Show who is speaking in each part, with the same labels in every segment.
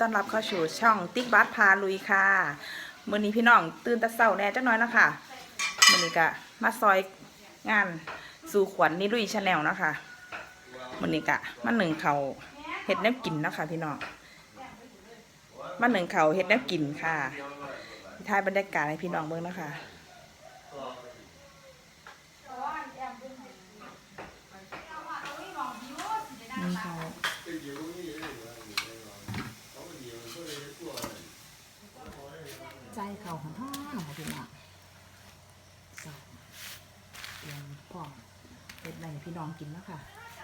Speaker 1: ต้อนรับเข้าสู่ช่องติ๊กบัสพาลุยค่ะมื้อนี้พี่น้องตื่นแต่เช้าแน่จักหน่อยนะคะมื้อนี้ก็มาซอยงานสู่ขวัญนี่ลุยชาแนลนะคะมื้อนี้ก็มาหนึ่งเขาเฮ็ดแนวกินนะคะพี่น้องมาหนึ่งเขาเฮ็ดแนวกินค่ะถ่ายบรรยากาศให้พี่น้องเบิ่งนะคะนี่เขาใจเขาของพ่อค่ะพี่น้องเตรียมพร้อมเฮ็ดอะไรให้พี่น้องกินแล้วค่ะ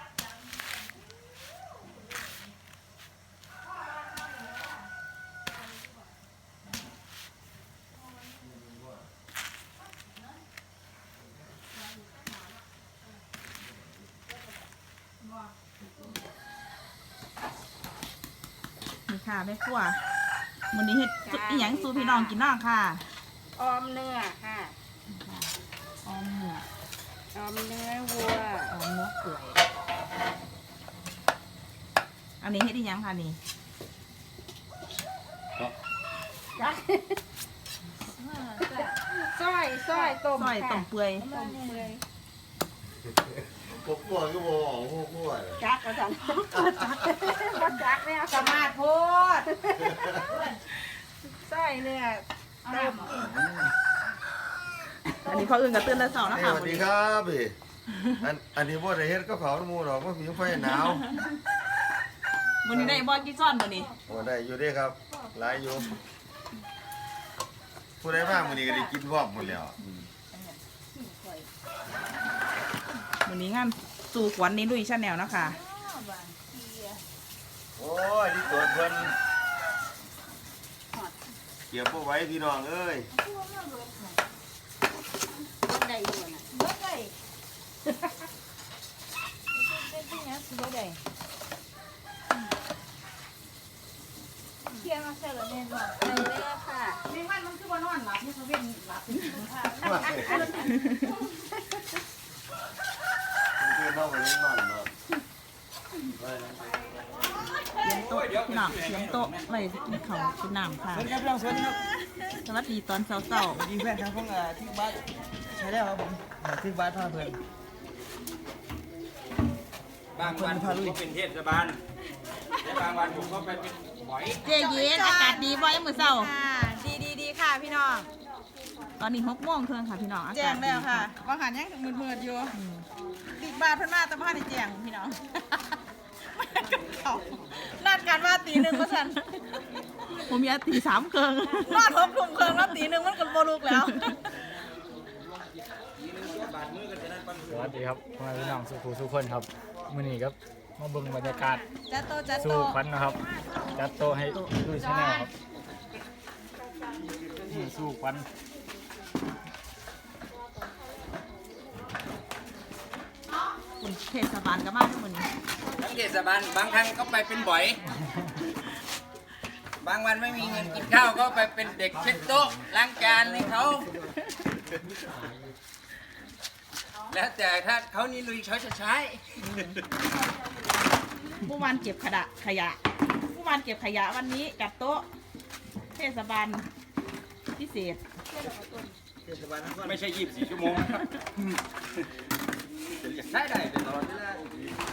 Speaker 1: นี่ค่ะแม่ครัวมื้อนี้เฮ็ดอีหยังสู่พี่น้องกินน้องค่ะ
Speaker 2: ออมเนื้อค่ะ
Speaker 1: ออมเนื้อ
Speaker 2: ออมเนื้อวัว
Speaker 1: ออมเนื้อเปื่อยอันนี้เฮ็ดอีหยังค่ะนี่
Speaker 2: ซอยต้ม
Speaker 1: ซอยต้มเปื่อย
Speaker 2: ต้มเปื่อย
Speaker 3: พวกพวกก็บอกของพวกพวก
Speaker 2: จักกระสันจักไม่เอาสมาร์ทโพดซอยเนื้อต้ม
Speaker 1: อันนี้เขาอื่นกับตื่นแต่เช้านะ
Speaker 3: ส
Speaker 1: คะ
Speaker 3: วัสดีครับพี่อันนี้พวกไอ้เฮ็ดก็เขาหมูดอกว่ามีไฟหนาว
Speaker 1: มื้อนี้ได้บอลกี่ซ้อนมื้อนี้
Speaker 3: โอ้ได้อยู่ด้วยครับหลายอยู่ผู้ใดบ้างมื้อนี้ก็ได้กินพร้อมหมดแล้ว
Speaker 1: มื้อนี้งานสู่ขวัญนี่ลุยชาแนลนะคะ
Speaker 3: โอ้ยนี่ตัวเพิ่นเก็บเอาไว้พี่น้องเอ้ย
Speaker 2: ได้อยู่น่ะได้เป็นที่นี้สิบ่ได้เที่ยงมาเสร็จแล้วเนี่ยบอกไปเลยค่ะในวันมันคือว่านอนหลับนี่เขาเว้นหลับค่ะ
Speaker 3: คือน้องมันยังมันเนาะ
Speaker 1: โต๊ะพี่น้องเตรียมโต๊ะไว้กินข้าวกินน้ำค่ะ
Speaker 4: สวัสดีครับพี่น้องสวัสดีครับ
Speaker 1: สวัสดีตอนเช้า
Speaker 4: สวัสดีเพื่อนครับพวกที่บ้านใช้ได้ครับผมที่บ้านท่าเพลิน
Speaker 5: บางวันผมก็เป็นเทศบาลและบางวันผมก็ไปเป็นบ่อย
Speaker 1: ๆเจ๊เย็นอากาศดีบ่มื้อเช้า
Speaker 2: ดีค่ะพี่น้อง
Speaker 1: ตอนนี้6 โมงครึ่งค่ะพี่น้องอากาศ
Speaker 2: แจ้งแล้วค่ะ
Speaker 1: ดี
Speaker 2: ว่าหันยังมืดๆอยู่บิ๊กบาร์เพิ่นมาแต่บ้านในแจ้งพี่น้องนัดกันว่าตีหนึ่งว่าซั่น
Speaker 1: ผมอยากตี3 ครึ่ง
Speaker 2: นอน6 ทุ่มครึ่งแล้วตีหนึ่งมันก็บ่ลุกแล้ว
Speaker 4: สวัสดีครับพ่อแม่พี่น้องสุขุสุขคนครับมื้อนี้ครับมาเบิ่งบรรยากาศ
Speaker 2: จัดโตจัดโต
Speaker 4: สู่ขวัญนะครับจัดโตะให้ดูชาแนลครับนี่สู่ขวัญ
Speaker 1: คุณเทศบาลก็มาทุกมื้อนี้
Speaker 5: ทั้งเทศบาลบางครั้งก็ไปเป็นบ่อย บางวันไม่มีเงินกินข้าวก็ไปเป็นเด็กเช็ดโต๊ะล้างจานให้เขา แล้วแต่ถ้าเขานี่ลุยเขาจะใช้
Speaker 1: ผู้วานเก็บขยะผู้วานเก็บขยะวันนี้จัดโต๊ะเทศบาลพิเศษ
Speaker 5: ไม่ใช่24 ชั่วโมงนะครับจะใช้ได้ตลอดเวลา